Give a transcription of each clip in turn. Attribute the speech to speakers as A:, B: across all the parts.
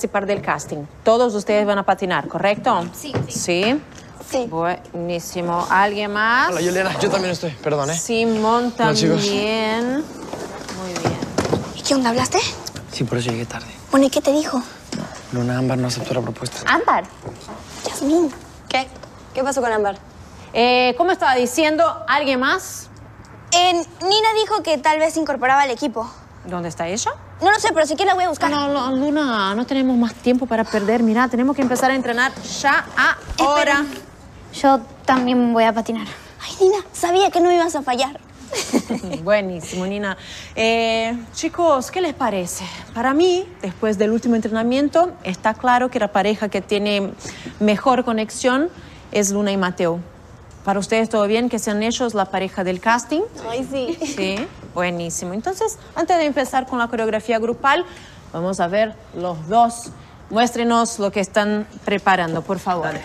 A: participar del casting. Todos ustedes van a patinar, ¿correcto?
B: Sí.
A: ¿Sí?
B: Sí.
A: Buenísimo. ¿Alguien más?
C: Hola, Juliana. Yo también estoy. Perdón, ¿eh?
A: Simón
C: Hola, chicos.
A: también. Muy bien.
B: ¿Y qué onda? ¿Hablaste?
C: Sí, por eso llegué tarde.
B: Bueno, ¿y qué te dijo?
C: Luna Ámbar no aceptó la propuesta.
B: Ámbar. Yasmín.
D: ¿Qué? ¿Qué pasó con Ámbar?
A: ¿Cómo estaba diciendo? ¿Alguien más?
B: Nina dijo que tal vez se incorporaba al equipo.
A: ¿Dónde está ella?
B: No lo sé, pero si quieres la voy a buscar.
A: No, Luna, no tenemos más tiempo para perder. Mira, tenemos que empezar a entrenar ya ahora.
B: Yo también voy a patinar. Ay, Nina, sabía que no ibas a fallar.
A: Buenísimo, Nina. Chicos, ¿qué les parece? Para mí, después del último entrenamiento, está claro que la pareja que tiene mejor conexión es Luna y Mateo. ¿Para ustedes todo bien que sean ellos la pareja del casting?
B: Ay, sí.
A: Sí, buenísimo. Entonces, antes de empezar con la coreografía grupal, vamos a ver los dos. Muéstrenos lo que están preparando, por favor.
C: Dale.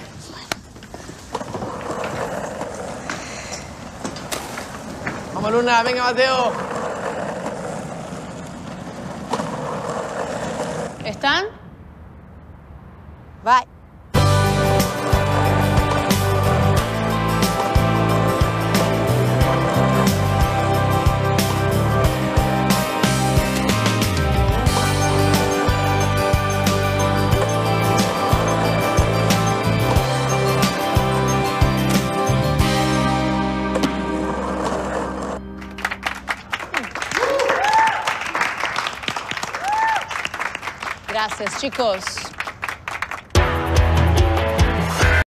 C: Vamos, Luna. Venga, Mateo.
A: ¿Están? Bye. Gracias, chicos.